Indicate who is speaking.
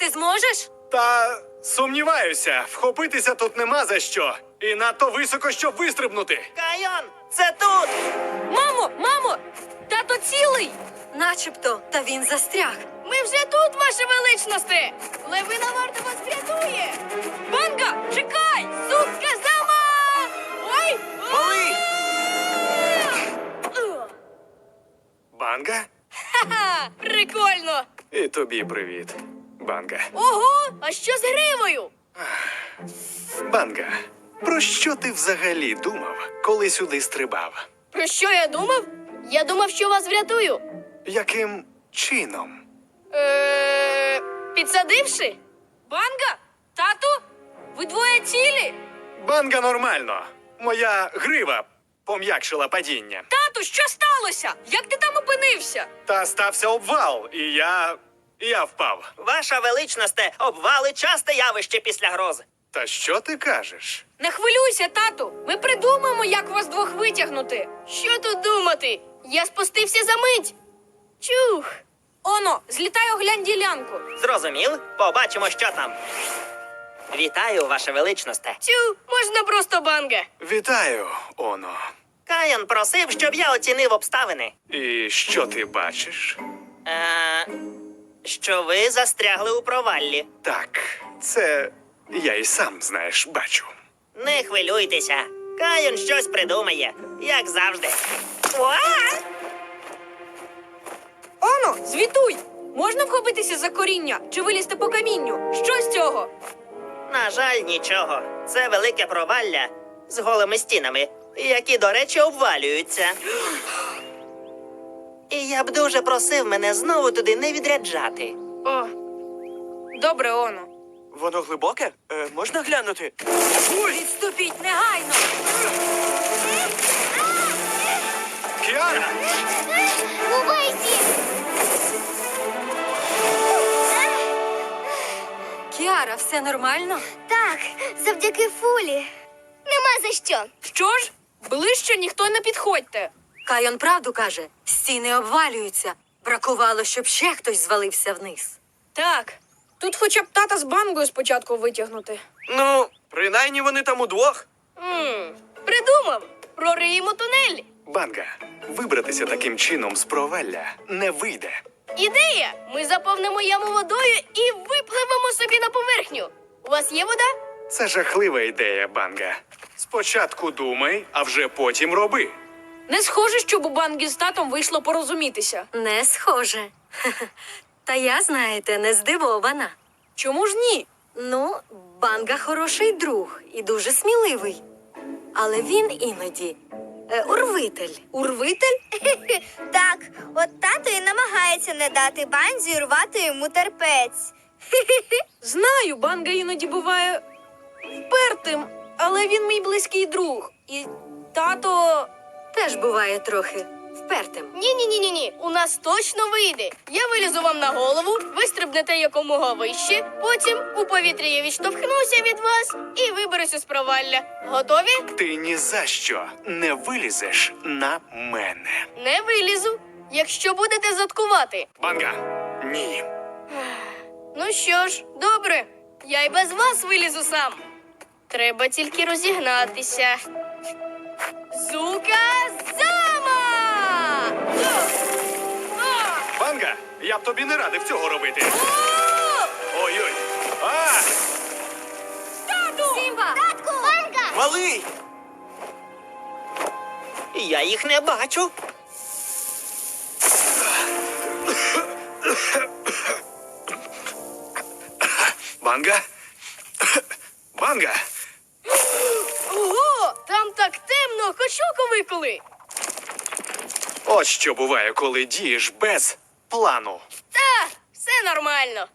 Speaker 1: ти зможеш?
Speaker 2: Та сумніваюся, вхопитися тут нема за що. І надто високо, щоб вистрибнути.
Speaker 3: Кайон, це тут!
Speaker 1: Мамо! Тато цілий! Начебто, та він застряг.
Speaker 4: Ми вже тут, ваше величносте! Левина варта вас врятує!
Speaker 1: Банга, чекай!
Speaker 4: Сутка зама! Ой!
Speaker 3: Малий!
Speaker 2: Банга?
Speaker 4: Ха-ха! Прикольно!
Speaker 2: І тобі привіт, Банга.
Speaker 4: Ого! А що з гривою?
Speaker 2: Банга, про що ти взагалі думав, коли сюди стрибав?
Speaker 4: Про що я думав? Я думав, що вас врятую.
Speaker 2: Яким чином?
Speaker 4: Підсадивши?
Speaker 1: Банга? Тату? Ви двоє цілі?
Speaker 2: Банга нормально. Моя грива пом'якшила падіння.
Speaker 1: Тату, що сталося? Як ти там опинився?
Speaker 2: Та стався обвал, і я впав.
Speaker 3: Ваша величносте, обвали часте явище після грози.
Speaker 2: Та що ти кажеш?
Speaker 1: Не хвилюйся, тату. Ми придумаємо, як вас двох витягнути.
Speaker 4: Що тут думати? Я спустився за мить. Чух!
Speaker 1: Оно, злітай оглянь ділянку.
Speaker 3: Зрозумів? Побачимо, що там. Вітаю, ваше величносте.
Speaker 4: Тю, можна просто банга.
Speaker 2: Вітаю, Оно.
Speaker 3: Кайон просив, щоб я оцінив обставини.
Speaker 2: І що ти бачиш?
Speaker 3: Що ви застрягли у проваллі.
Speaker 2: Так, це я і сам, знаєш, бачу.
Speaker 3: Не хвилюйтеся. Кайон щось придумає, як завжди. Уа!
Speaker 1: Оно, звітуй! Можна вхопитися за коріння чи вилізти по камінню? Що з цього?
Speaker 3: На жаль, нічого. Це велике провалля з голими стінами, які, до речі, обвалюються. І я б дуже просив мене знову туди не відряджати.
Speaker 1: О, добре, Оно.
Speaker 5: Воно глибоке? Можна глянути?
Speaker 1: Відступіть негайно!
Speaker 2: Кіара!
Speaker 1: Кіара, все нормально?
Speaker 6: Так, завдяки Фулі. Нема за що.
Speaker 1: Що ж? Ближче ніхто не підходьте. Кайон правду каже, стіни обвалюються. Бракувало, щоб ще хтось звалився вниз. Так, тут хоча б тата з бангою спочатку витягнути.
Speaker 5: Ну, принаймні вони там удвох.
Speaker 4: Придумав! Прориємо тунель.
Speaker 2: Банга, вибратися таким чином з провалля не вийде.
Speaker 4: Ідея! Ми заповнимо яму водою і випливемо собі на поверхню. У вас є вода?
Speaker 2: Це жахлива ідея, Банга. Спочатку думай, а вже потім роби.
Speaker 1: Не схоже, щоб у банги з татом вийшло порозумітися. Не схоже. Та я, знаєте, не здивована. Чому ж ні? Ну, банга хороший друг і дуже сміливий. Але він іноді урвитель. Урвитель?
Speaker 6: Так, от тато і намагається не дати банзі рвати йому терпець.
Speaker 1: Знаю, банга іноді буває впертим, але він мій близький друг. І тато теж буває трохи впертим.
Speaker 4: Ні. У нас точно вийде. Я вилізу вам на голову, ви стрибнете якомога вище, потім у повітрі я відштовхнуся від вас і виберуся з провалля. Готові?
Speaker 2: Ти ні за що не вилізеш на мене.
Speaker 4: Не вилізу. Якщо будете заткувати.
Speaker 2: Банга, ні.
Speaker 4: Ну що ж, добре. Я й без вас вилізу сам. Треба тільки розігнатися. Зука-зама!
Speaker 2: Банга, я б тобі не радив цього робити. Ой-ой. А!
Speaker 1: Сімба!
Speaker 6: Татку! Банга!
Speaker 5: Малий!
Speaker 3: Я їх не бачу.
Speaker 2: Банга? Банга!
Speaker 4: Ого! Там так темно, хоч око виколи.
Speaker 2: От що буває, коли дієш без плану.
Speaker 4: Та, все нормально.